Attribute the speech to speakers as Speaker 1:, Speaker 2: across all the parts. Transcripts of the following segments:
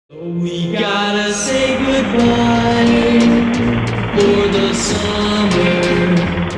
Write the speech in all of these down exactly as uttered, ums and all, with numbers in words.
Speaker 1: We gotta say goodbye for the summer.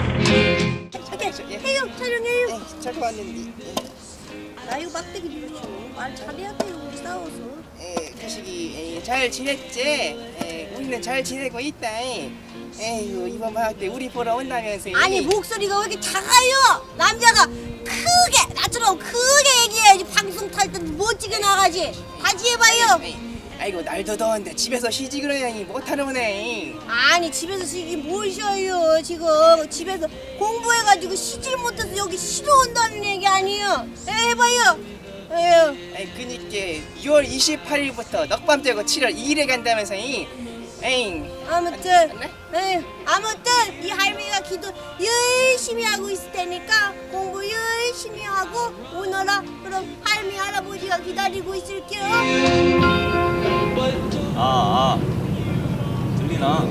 Speaker 2: 저기
Speaker 3: 해요, 촬영해요.
Speaker 2: 네, 저기 왔는데
Speaker 3: 나 이거 막대기 누르죠. 말 잘해야 돼요, 우리 싸워서.
Speaker 2: 예, 가식이 예, 잘 지냈지? 예, 우리는 잘 지내고 있다. 에휴, 이번 방학 때 우리 보러 온다면서.
Speaker 3: 아니 목소리가 왜 이렇게 작아요? 남자가 크게 나처럼 크게 얘기해야지. 방송 탈 때 멋지게 나가지. 다시 해봐요.
Speaker 2: 에이, 아이고 날도 더운데 집에서 쉬지 그러냐니 못하는 거네.
Speaker 3: 아니 집에서 쉬긴 뭘 쉬어요. 지금 집에서 공부해가지고 쉬질 못해서 여기 쉬러 온다는 얘기 아니에요. 에, 해봐요. 에휴.
Speaker 2: 아이 그니까 유월 이십팔일부터 넉밤 떼고 칠월 이일에 간다면서. 에잉.
Speaker 3: 아무튼
Speaker 2: 네?
Speaker 3: 에휴, 아무튼 이 할머니가 기도 열심히 하고 있을 테니까 공부 열심히 하고 오너라. 그럼 할머니 할아버지가 기다리고 있을게요.
Speaker 4: 아, 아, 들리나?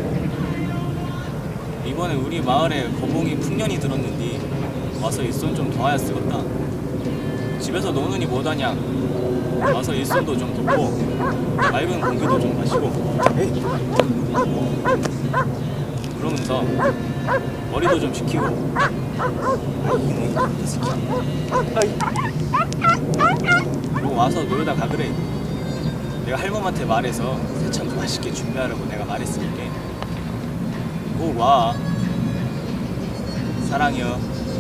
Speaker 4: 이번에 우리 마을에 거봉이 풍년이 들었는데 와서 일손 좀 도와야 쓰겄다. 집에서 노느니 못하냐? 와서 일손도 좀 돕고 맑은 공기도 좀 마시고 그러면서 머리도 좀 식히고. 그리고 와서 놀다 가 그래. 내가 할멈한테 말해서 새참도 맛있게 준비하라고 내가 말했으니까 꼭 와. 사랑해요.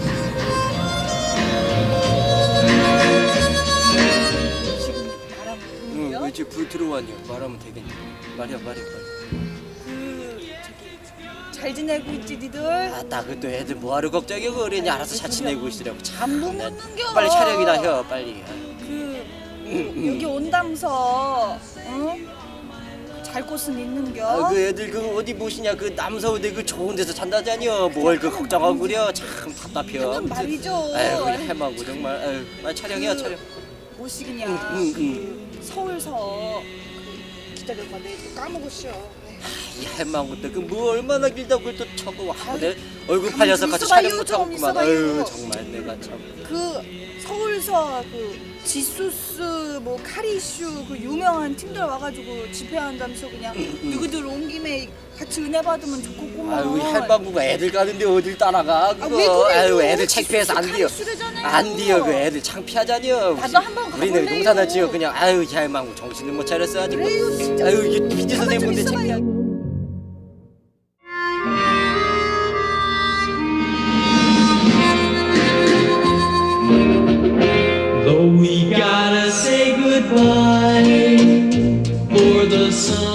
Speaker 5: 응, 왜 이제 불 들어왔냐? 말하면 되겠냐? 말이야, 말이야, 말이야.
Speaker 6: 그 저기 잘 지내고 있지 니들?
Speaker 5: 아, 나 그또 애들 뭐하러 걱정해? 그 어린이 알아서 잘 지내고 있으라고. 참,
Speaker 6: 못
Speaker 5: 나-
Speaker 6: 먹는겨.
Speaker 5: 빨리 촬영이나 해, 빨리.
Speaker 6: 그 여기 온다면서 응? 잘 곳은 있는겨?
Speaker 5: 아, 그 애들 그 어디 모시냐? 그 남서울대 그 좋은 데서 잔다잖여. 뭘 그 걱정하고 그려? 참 답답해.
Speaker 6: 그건 말이죠.
Speaker 5: 아유, 그냥 해마고 정말. 아유, 빨리 촬영해요, 촬영.
Speaker 6: 뭐시기냐?
Speaker 5: 응, 응,
Speaker 6: 그 서울서 그 기다려봐. 내가 또 까먹었어.
Speaker 5: 이 해마고 때그뭐 얼마나 길다고 그걸 또 쳐고 와. 내 얼굴
Speaker 6: 가만히
Speaker 5: 팔려서
Speaker 6: 좀
Speaker 5: 같이
Speaker 6: 있어봐요,
Speaker 5: 촬영 못
Speaker 6: 좀
Speaker 5: 하고만.
Speaker 6: 있어봐요.
Speaker 5: 아유, 정말 내가 참.
Speaker 6: 그 서울서 그 지소스 뭐 카리슈 그 유명한 팀들 와가지고 집회한다면서 그냥 누구들 온 김에 같이 은혜 받으면 좋겠구만.
Speaker 5: 아유, 할망구가 애들 가는데 어딜 따라가 그거.
Speaker 6: 아, 왜 그래요?
Speaker 5: 아유, 애들 창피해서 안 돼요.
Speaker 6: 수레잖아요.
Speaker 5: 안 돼요. 그 애들 창피하잖여.
Speaker 6: 나도 한번
Speaker 5: 우리는
Speaker 6: 가볼래요.
Speaker 5: 농사나 지어 그냥. 아유, 이 할망구 정신을 못 차렸어 아직.
Speaker 6: 그래요, 진짜.
Speaker 5: 아유, 이게 피디
Speaker 6: 가만 좀
Speaker 5: 선생님인데
Speaker 6: 있어봐요.
Speaker 5: 창피하.
Speaker 1: Though we gotta say goodbye for the summer.